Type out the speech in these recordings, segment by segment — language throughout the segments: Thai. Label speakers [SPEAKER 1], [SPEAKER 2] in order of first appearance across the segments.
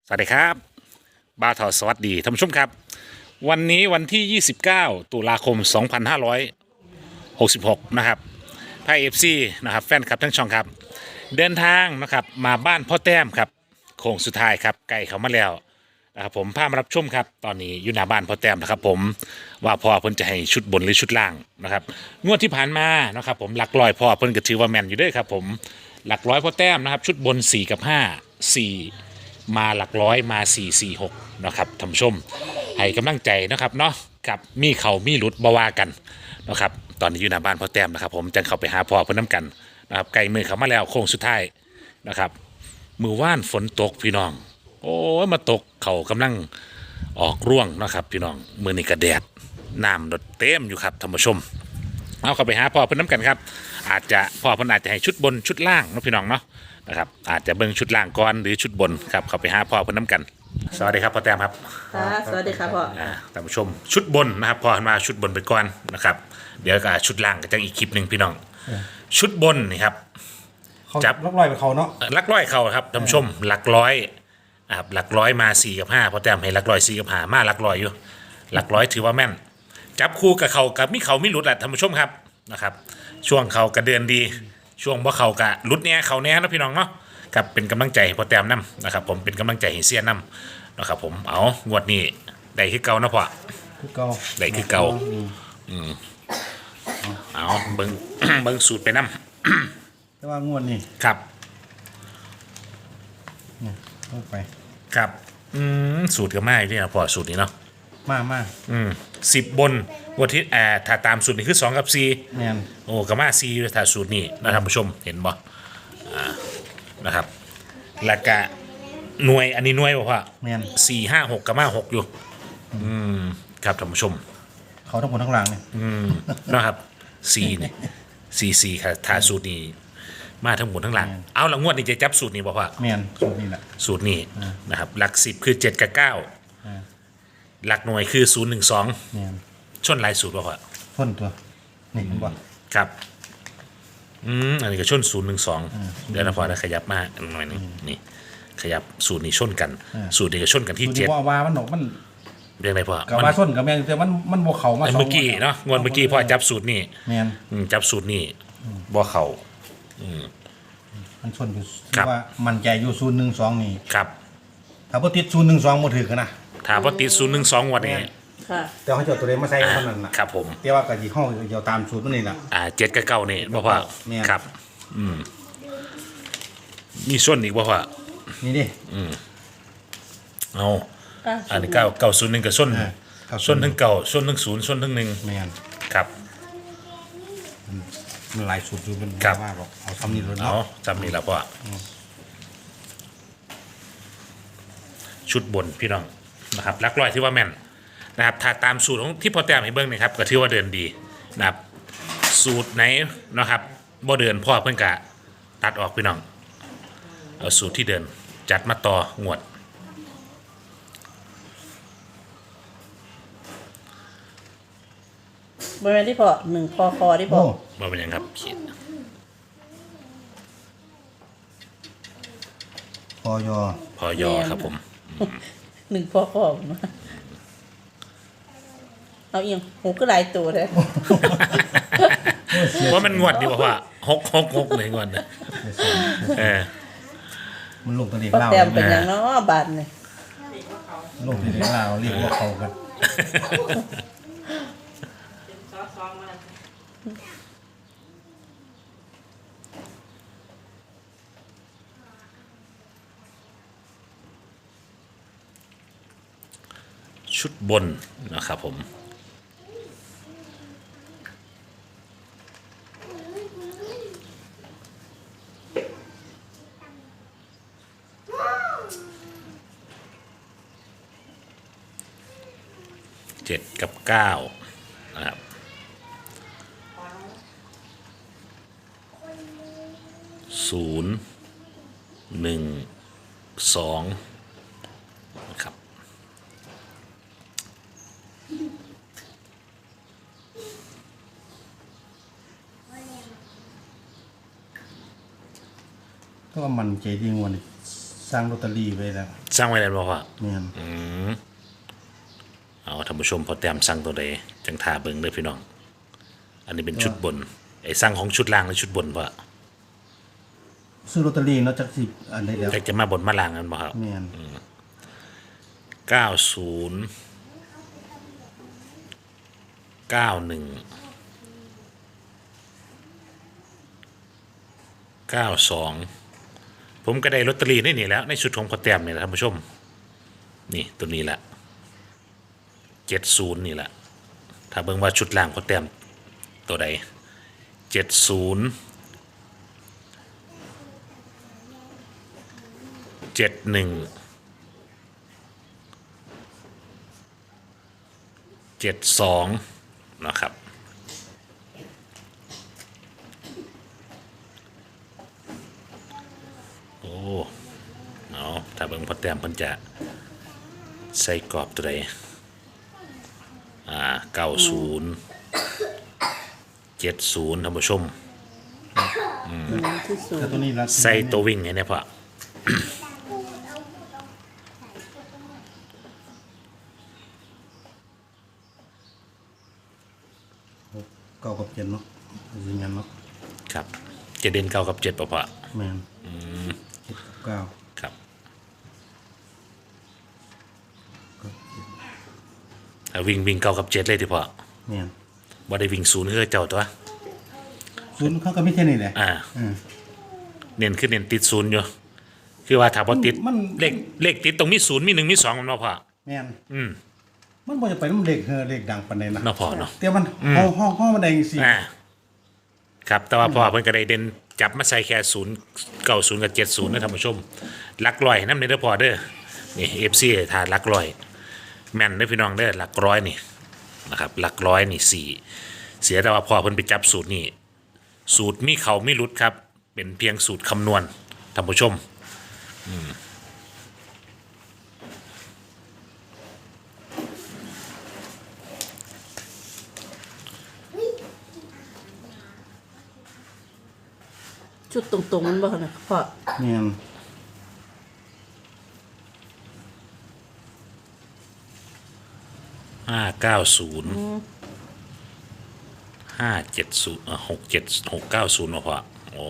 [SPEAKER 1] สวัสดีครับบ้าทอสวัสดีท่านผู้ชมครับวันนี้วันที่ 29 ตุลาคม 2566 นะครับไพ่เอฟซีนะครับแฟนคลับทั้งช่องครับเดินทางนะครับมาบ้านพ่อแต้มครับโค้งสุดท้ายครับไก่เขามาแล้วนะครับผมพามารับชมครับตอนนี้อยู่หน้าบ้านพ่อแต้มนะครับผมว่าพ่อเพิ่นจะให้ชุดบนหรือชุดล่างนะครับงวดที่ผ่านมานะครับผมหลักร้อยพ่อเพิ่นก็ถือว่าแม่นอยู่เด้วยครับผมหลักร้อยพ่อแต้มนะครับชุดบน4กับ5 4มาหลักร้อยมา446นะครับท่านผู้ชมให้กำลังใจนะครับเนาะกับมีเขามีหลุดบ่ว่ากันนะครับตอนนี้อยู่หน้าบ้านพ่อแต้มนะครับผมจังเข้าไปหาพ่อเพิ่นน้ำกันนะครับไกลมือเขามาแล้วโค้งสุดท้ายนะครับมือว่านฝนตกพี่น้องโอ้ยมาตกเขากำลังออกร่วงนะครับพี่น้องมือนี่กระแดดน้ำรดเต็มอยู่ครับท่านผู้ชมเอาเข้าไปหาพ่อเพิ่นน้ำกันครับอาจจะพ่อเพิ่นอาจจะให้ชุดบนชุดล่างนะพี่น้องเนาะนะครับอาจจะเบิ่งชุดล่างก่อนหรือชุดบนครับเข้าไปหาพ่อเพิ่นน้ำกันสวัสดีครับพ่อแต้มครับ
[SPEAKER 2] ค่ะสวัสดีค่ะพ่อ
[SPEAKER 1] ท่านผู้ชมชุดบนนะครับพ่อมาชุดบนไปก่อนนะครับเดี๋ยวก็ชุดล่างก็จะอีกคลิปหนึ่งพี่น้องชุดบนนี่ครับ
[SPEAKER 3] เขาจับล็อกลอยไปเขาเนาะ
[SPEAKER 1] หลักร้อยเขาครับท่านผู้ชมหลักร้อยครับหลักร้อยมา4กับ5พ่อแต้มให้หลักร้อย4กับ5มาหลักร้อยอยู่หลักร้อยถือว่าแม่นจับคู่กับเขากับมีเขาไม่หลุดแหละท่านผู้ชมครับนะครับช่วงเขากระเดือนดีช่วงว่าเขากะหลุดเนี้ยเขาเนี้ยนะพี่น้องเนาะครับเป็นกำลังใจให้พ่อแต้มนํนะครับผมเป็นกำลังใจให้เสียนํนะครับผมเอางวดนี้ได้คือเก่านะพ่อ
[SPEAKER 3] คือเก่า
[SPEAKER 1] ได้คือเก่า เอาเบิ่ง เบิ่งสูตรไปนํ
[SPEAKER 3] แต่ว่างวดนี่
[SPEAKER 1] ครับ
[SPEAKER 3] ลงไป
[SPEAKER 1] ครับสูตรก็มาอยู่ที่นะพ่อสูตรนี้เนาะ
[SPEAKER 3] มา
[SPEAKER 1] 10 บนวันที่ถ้าตามสูตรนี้คือ2กับ4
[SPEAKER 3] แมน
[SPEAKER 1] โอ้ก็มา4อยู่ถ้าสูตรนี้นะครับผู้ชมเห็นบ่นะครับแล้วก็หน่วยอันนี้หน่วยบ่พ่อ
[SPEAKER 3] แมน
[SPEAKER 1] 4 5 6ก็มา6อยู่ครับท่านผู้ชม
[SPEAKER 3] เขาทั้งหมดทั้งหลังเนี่ย
[SPEAKER 1] นะครับ4นี่4ค่ะถ้าสูตรนี้มาทั้งหมดทั้งหลังเอาละงวดนี้จะจับสูตรนี้บ่พ่อ
[SPEAKER 3] แมนสูตรนี่แหละ
[SPEAKER 1] สูตรนี้นะครับหลัก10คือ7กับ9หลักหน่วยคือ012
[SPEAKER 3] แมน
[SPEAKER 1] ชนหลายสูตรบ่พ่อ
[SPEAKER 3] พ่นตัวนี่มันบ่
[SPEAKER 1] ครับอันนี้ก็ชน012เดี๋ยวนะพ่อนะขยับมาหน่อยนึงนี่ขยับสูตรนี้ชนกันสูตรนี้ก็ชนกันที่
[SPEAKER 3] สูตรที่ว่ามันออกมัน
[SPEAKER 1] เรียกอะไรพ่อ
[SPEAKER 3] กับว่าส้นกับแมนแต่มันบ่เขามา
[SPEAKER 1] เมื่อกี้เนาะงวดเมื่อกี้พ่อจับสูตรนี้
[SPEAKER 3] แมน
[SPEAKER 1] จับสูตรนี้บ่เข้า
[SPEAKER 3] มันส้นอยู่
[SPEAKER 1] ครับ
[SPEAKER 3] ว่ามันใจอยู่012นี่
[SPEAKER 1] ครับ
[SPEAKER 3] ถ้าบ่ติด012บ่ถือกันนะ
[SPEAKER 1] ถามว่าติด012งวดนี้
[SPEAKER 2] ค่ะ
[SPEAKER 3] แต่เขาจะเอาตัวเลขมาใส่เท่านั้นน่ะ
[SPEAKER 1] ครับผม
[SPEAKER 3] แต่ว่าก็สิเฮาเดี๋ยวตามสูตรมันนี่ล่ะ
[SPEAKER 1] 7กับ9นี่บ่พ่อ
[SPEAKER 3] แม่น
[SPEAKER 1] ครับมีส้นอีกบ่พ่อ
[SPEAKER 3] นี่ดิ
[SPEAKER 1] เอาอันนี้901กับส้น ส้นทั้งเก่าส้นทั้ง0ส้นทั้ง1
[SPEAKER 3] แมน
[SPEAKER 1] ครับ
[SPEAKER 3] มันหลายสูตรอยู่มัน
[SPEAKER 1] ครับ
[SPEAKER 3] ว่าบอกเอาทำนี่เลย
[SPEAKER 1] เอา
[SPEAKER 3] เนาะ
[SPEAKER 1] จำนี่แล้วพ่อชุดบนพี่น้องนะครับลักลอยที่ว่าแม่นนะครับถ้าตามสูตรของที่พ่อแต้มให้เบิ้งนะครับก็ถือว่าเดินดีนะครับสูตรไหนนะครับบ่เดินพ่อเพิ่นกะตัดออกพี่น้องเอาสูตรที่เดินจัดมาต่องวด
[SPEAKER 2] บริเวณที่พ่อ1คอที่พ่อ
[SPEAKER 3] โอ้
[SPEAKER 1] มาเป็นยังครับขีด
[SPEAKER 3] พอยอ
[SPEAKER 1] พอยอครับผม
[SPEAKER 2] 1คอผมว่าเอาเอียงหูก็หลายตัวเลย
[SPEAKER 1] ว่ามันงวดดีกว่าว่า6 เลยงวดนะเออ
[SPEAKER 3] มันลงตัวเลข
[SPEAKER 2] พ่อ
[SPEAKER 3] เล่า
[SPEAKER 2] แต้มเป็นอย่างเนาะบาทนี่
[SPEAKER 3] ลงตัวเลขเล่าเรียกว่าเขากัน
[SPEAKER 1] ชุดบนนะครับผม7กับ9นะครับ0 1 2นะครับ
[SPEAKER 3] ก็ว่ามันใจดีงวันสร้างลอตเตอรี่ไว้แล้ว
[SPEAKER 1] สร้างไว้แล้วบ่พ่อ
[SPEAKER 3] แม่น
[SPEAKER 1] เอาท่านผู้ชมพอแต้มสั่งตัวใดจังทาเบิ่งเด้อพี่น้องอันนี้เป็นชุดบนไอ้สั่งของชุดล่างและชุดบนพ่อ
[SPEAKER 3] ซื้อลอตเตอรี่เนาะจักสิอันใดแล้ว
[SPEAKER 1] แต่จะมาบนมาล่างกันบ่ครับ
[SPEAKER 3] แม่น
[SPEAKER 1] 90 91 92ผมก็ได้ลอตเตอรี่นี่แหล้วในชุดของพอแต้มนี่แหละท่านผู้ชมนี่ตัวนี้แหละ70นี่แหละถ้าเบิ่งว่าชุดล่างพอแต้มตัวใด70 71 72นะครับโอ้เอาถ้าเบิ่งพอแต้มเพิ่นจะใส่กรอบตัวใด90 70ท่านผู้ชม
[SPEAKER 2] ที่สุด
[SPEAKER 3] แต่ตัวนี้ละ
[SPEAKER 1] ใส่ตัววิ่งไงเนี่ยพ่อ
[SPEAKER 3] เก้ากับเจ็ดเนาะสิงั้นเนาะ
[SPEAKER 1] ครับจะเด่น9กับ7ป่ะพ่อ
[SPEAKER 3] แม่นเจ็ดกับเก้า
[SPEAKER 1] ครับถ้าวิ่ง9กับ7เลยที่พ่อ
[SPEAKER 3] แม่น
[SPEAKER 1] บ่ได้วิ่ง0คือเจ้าตัว
[SPEAKER 3] ศูนย์เขาก็มีแค่นี้แหละ อืม
[SPEAKER 1] เน้นคือเน้นติด0อยู่คือว่าถ้าบ่ติด
[SPEAKER 3] มัน
[SPEAKER 1] เลขติดตรงมี0มี1มี2มันบ่พ่อ
[SPEAKER 3] แม่น
[SPEAKER 1] อืม
[SPEAKER 3] มันบ่จะไปน้ำเลขเลขดังปานใดนะ
[SPEAKER 1] เนาะพ่อเนาะ
[SPEAKER 3] แต่มันห้องมันได้จังซี่
[SPEAKER 1] ครับแต่ว่าพ่อเพิ่นก็ได้เด่นจับมาใส่แค่0 90กับ70นะท่านผู้ชมหลักร้อยนำเด้อพ่อเด้อนี่ FC ถ้าหลักร้อยแม่นเด้อพี่น้องเด้อหลักร้อยนี่นะครับหลักร้อยนี่4เสียแต่ว่าพ่อเพิ่นไปจับสูตรนี่สูตรมีเขามีหลุดครับเป็นเพียงสูตรคำนวณท่านผู้ชม
[SPEAKER 2] ชุดตรงๆมันบ่นะพ่อ
[SPEAKER 3] แม่น
[SPEAKER 1] 590 570690พ่อโอ้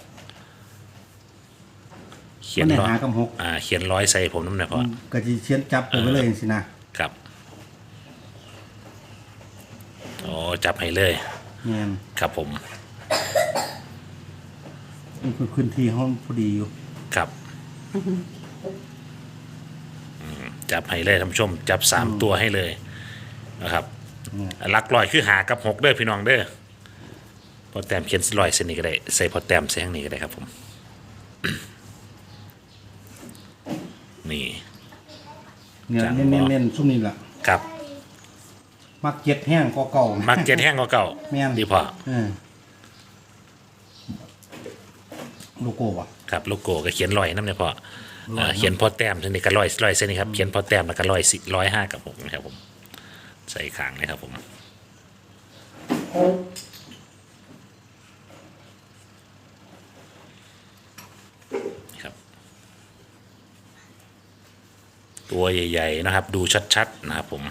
[SPEAKER 1] เขีย
[SPEAKER 3] มัน นได้
[SPEAKER 1] ร้อย
[SPEAKER 3] หากับหก
[SPEAKER 1] เขียนร้อยใส่ผมน้ำหน่อยพ่อ
[SPEAKER 3] ก็สิเขียนจับไปไว้เลยจังซี่นะครับ
[SPEAKER 1] โอ้จับให้เลย
[SPEAKER 3] แม่น
[SPEAKER 1] ครับผม
[SPEAKER 3] มันคือพื้นที่ห้องพอดีอยู่
[SPEAKER 1] ครับจับให้เลยท่านผู้ชม จับ3ตัวให้เลยนะครับหลักร้อยคือหากับ6เด้อพี่น้องเด้อพอแต้มเขียนร้อยเส้นนี้ก็ได้ใส่พอแต้มใส่ข้างนี้ก็ได้ครับผม นี่
[SPEAKER 3] เนี่ย
[SPEAKER 1] จัง
[SPEAKER 3] เน้นๆซุ่มนี้ล่ะ
[SPEAKER 1] ครับ
[SPEAKER 3] มักเจ็ดแห้งก็เก่า
[SPEAKER 1] มักเจ็ดแห้งกว่าเก่า
[SPEAKER 3] แม่น
[SPEAKER 1] ดีพอ
[SPEAKER 3] โลโก้อะ
[SPEAKER 1] ครับโลโก้ก็เขียนร้อยน้ำเนี่ยพอเขียนพอแต้มเส้นนี้ก็ร้อยเส้นนี้ครับเขียนพอแต้มแล้วก็105กับ6นะครับผมใส่ขางนะครับผมครับ ตัวใหญ่ๆนะครับ ดูชัดๆนะครับผม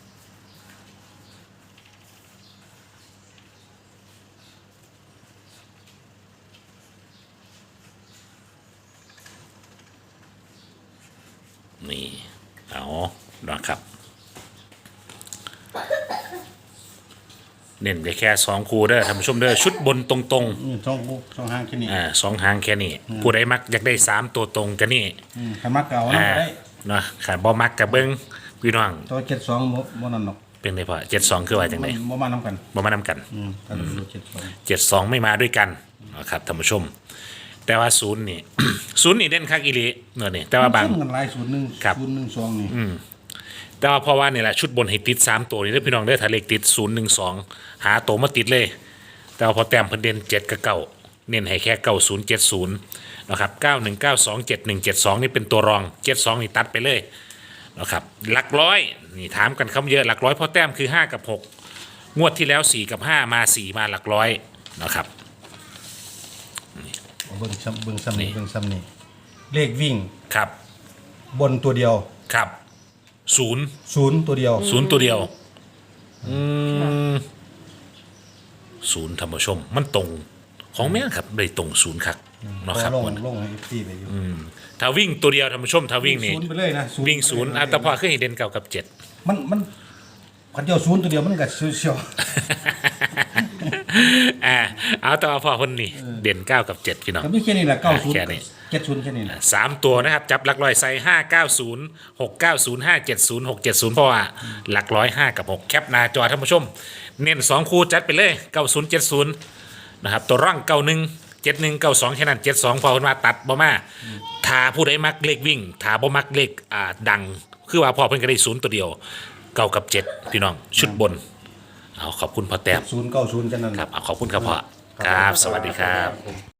[SPEAKER 1] นี่เอานะครับเน้นไปแค่2คู่เด้อท่านผู้ชมเด้อชุดบนตรง
[SPEAKER 3] นี่สองห้างแค่นี้
[SPEAKER 1] ๆ2หางแค่นี้ผู้ใดมักอยากได้3ตัวตรงกันนี่
[SPEAKER 3] ใครมักเก่านะได้
[SPEAKER 1] เนาะขาดบ่มักกับเบิ้งพี่น้อง
[SPEAKER 3] ตัว72บ่นั่นหรอก
[SPEAKER 1] เป็นไงพ่อ72คือว่าจังได
[SPEAKER 3] บ่มานำกัน
[SPEAKER 1] บ่มานำกัน
[SPEAKER 3] ถ้าดู72
[SPEAKER 1] 72ไม่มาด้วยกันนะครับท่านผู้ชม แต่ว่าศูนย์นี่ ศูนย์นี่เด่นคักอีหลีเนาะนี่แต่ว่าบาง
[SPEAKER 3] ซุ่มกันหลาย
[SPEAKER 1] ครับ
[SPEAKER 3] 012นี่
[SPEAKER 1] แต่ว่าเพราะว่านี่แหละชุดบนให้ติด3ตัวนี่เด้อพี่น้องเด้อถ้าเลขติด012หาตัวมาติดเลย แต่ว่าพอแต้มเพิ่นเด่น7กับ9เน้นให้แค่9070นะครับ91927172นี่เป็นตัวรอง72นี่ตัดไปเลยนะครับหลักร้อยนี่ถามกันคำเยอะหลักร้อยพอแต้มคือ5กับ6งวดที่แล้ว4กับ5มา4มาหลักร้อยนะครับ
[SPEAKER 3] เบิ่งซ้ำนี่เลขวิ่ง
[SPEAKER 1] ครับ
[SPEAKER 3] บนตัวเดียว
[SPEAKER 1] ครับศูนย์
[SPEAKER 3] 0ตัวเดียว
[SPEAKER 1] ศูนย์ตัวเดียวศูนย์ธรรมชมมันตรงของแม่นครับได้ตรงศูนย์ครับเนาะครับ
[SPEAKER 3] ลง
[SPEAKER 1] มัน
[SPEAKER 3] ลงให้ FC ไปอยู่
[SPEAKER 1] ถ้าวิ่งตัวเดียวธรรมชมถ้าวิ่งนี่
[SPEAKER 3] ศูนย์ไปเลยนะ
[SPEAKER 1] วิ่งศูนย์แต่พอขึ้นเด่นเก่ากับเจ็ด
[SPEAKER 3] มันคันเดียว0ตัวเดียวมันก็เชียว
[SPEAKER 1] เอาแต่ว่าพอคนนี้เด่นเก้ากับเจ็ดพี่น้อง
[SPEAKER 3] ก็มีแค่นี้แหละ90
[SPEAKER 1] แค่นี้
[SPEAKER 3] 70แค่นี้แหละ
[SPEAKER 1] สามตัวนะครับ จับหลักร้อยใส่590 690 570 670 เพราะว่าหลักร้อย5กับ 6 แคปหน้าจอท่านผู้ชม เน้น2คู่จัดไปเลย 90 70 นะครับ ตัวร่าง91 71 92 แค่นั้น 72 พอคนมาตัดบ่มาถ้าผู้ใดมักเลขวิ่งถ้าบ่มักเลขดัง คือว่าพอเพิ่นก็ได้ศูนย์ตัวเดียวเก้ากับ7พี่น้องชุดบน เอาขอบคุณพ่อแต้ม
[SPEAKER 3] 090แค่นั้น
[SPEAKER 1] ครับเอาขอบคุณครับพ่อครับ สวัสดีครับ